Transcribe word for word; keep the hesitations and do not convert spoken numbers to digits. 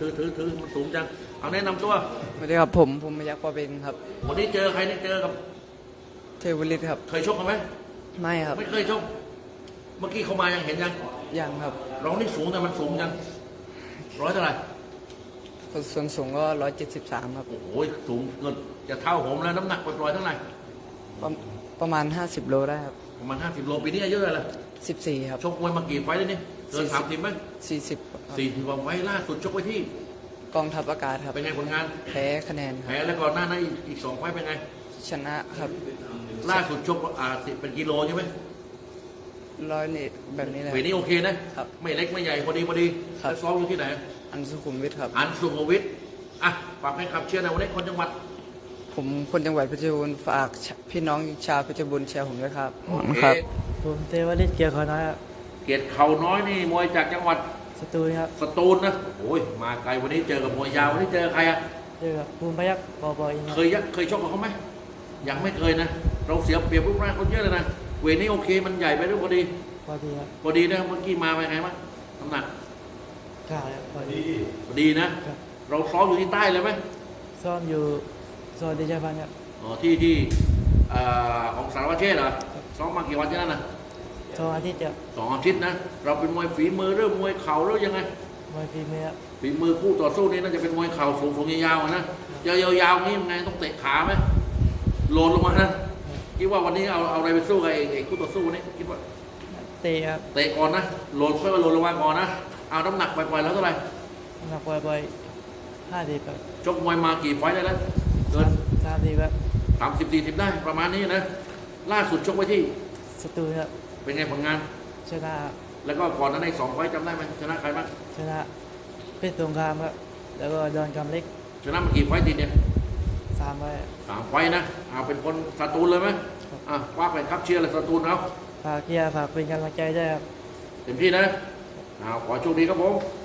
ถือถือถือมันสูงจังเอาแนะนำตัวสวัสดีครับผมผมมายักษ์ปอเป็นครับวันนี้เจอใครนี่เจอกับเทวลิตครับเคยชกกันไหมไม่ครับไม่เคยชกเมื่อกี้เขามายังเห็นยังยังครับเรานี่สูงแต่มันสูงยังร้อยเท่าไหร่ส่วนสูงก็ร้อยเจ็ดสิบสามครับโอ้โหสูงเกินจะเท่าผมแล้วน้ำหนักปล่อยๆเท่าไหร่ประประมาณห้าสิบโลได้ครับประมาณห้าสิบโลปีนี้อายุเท่าไหร่ละสิบสี่ครับชกมวยมากี่ไฟต์แล้วนี่เกินสามสิบไหมสี่สิบสี่สิบกว่าไฟต์ล่าสุดชกไว้ที่กองทัพอากาศครับเป็นไงผลงานแพ้คะแนนคแพ้รับแล้วก่อนหน้านั้นอีกอีกสองไฟต์เป็นไงชนะครับล่าสุดชกอ่าเป็นกิโลใช่ไหมร้อยนี่แบบนี้เลยเวทนี้โอเคนะครับ ไม่เล็กไม่ใหญ่พอดีพอดีครับแล้วซ้อมอยู่ที่ไหนอันสุขุมวิทครับอันสุขวิทย์อ่ะฝากให้ขับเชียร์ในวันนี้คนจังหวัดผมคนจังหวัดเพชรบูรณ์ฝากพี่น้องชาวเพชรบูรณ์เชียร์ผมด้วยครับโอเคครับผมเทวฤทธิ์เกียร์ขอน้อยครับเกียรติเขาน้อยนี่มวยจากจังหวัดสตูลครับสตูลนะโอ้ยมาไกลวันนี้เจอกับมวยยาววันนี้เจอใครอะเจอกับภูมิพยัคฆ์ปอบอินคเครับ ยยักเคยชกกับเขาไหมยังไม่เคยนะ เราเสียเปรียบรูปร่างคนเยอะเลยนะเวทนี้โอเคมันใหญ่ไปด้วยพอดีพอดีครับพอดีนะเมื่อกี้มาไปนไงบ้างน้ำหนักกล้าครับพอดีพอดีนะครับเราซ้อมอยู่ที่ใต้เลยไหมซ่อมอยู่ซอยเดชพันธ์ครับอ๋อที่ที่เอ่อของสารวัตรเชษฐ์เหรอซ้อมมากี่วันที่นั่นนะสองอาทิตย์จะสองอาทิตย์นะเราเป็นมวยฝีมือหรือมวยเข่าหรือยังไงมวยฝีมือครับฝีมือคู่ต่อสู้นี่น่าจะเป็นมวยเข่าสูงสูงยาวๆอะนะเจอยาวๆนี่ยังไงต้องเตะขาไหมโหลนลงมานะคิดว่าวันนี้เอาเอาอะไรไปสู้กับไอ้ไอ้คู่ต่อสู้นี่คิดว่าเตะครับเตะก่อนนะโหลนค่อยมาโหลนลงมาก่อนนะเอาน้ำหนักปล่อยๆแล้วเท่าไหร่น้ำหนักปล่อยๆห้าสิบครับชกมวยมากี่ไฟต์ได้แล้วเกินสามสิบครับสามสิบสี่สิบได้ประมาณนี้นะล่าสุดชกไว้ที่สตูลครับเป็นไงผลงานชนะแล้วก็ก่อนนั้นในสองไฟต์จำได้ไหมชนะใครบ้างชนะเพชรสงครามครับแล้วก็ดอนกำเล็กชนะมากี่ไฟต์ติดเนี่ยสามไว้สามไฟต์นะเอาเป็นคนสตูลเลยไหมอ่ะคว้าไปครับเชียร์เลยสตูลเอาฝากเกียร์ฝากเป็นกำลังใจด้วยครับเต็มที่นะเอาขอโชคดีครับผม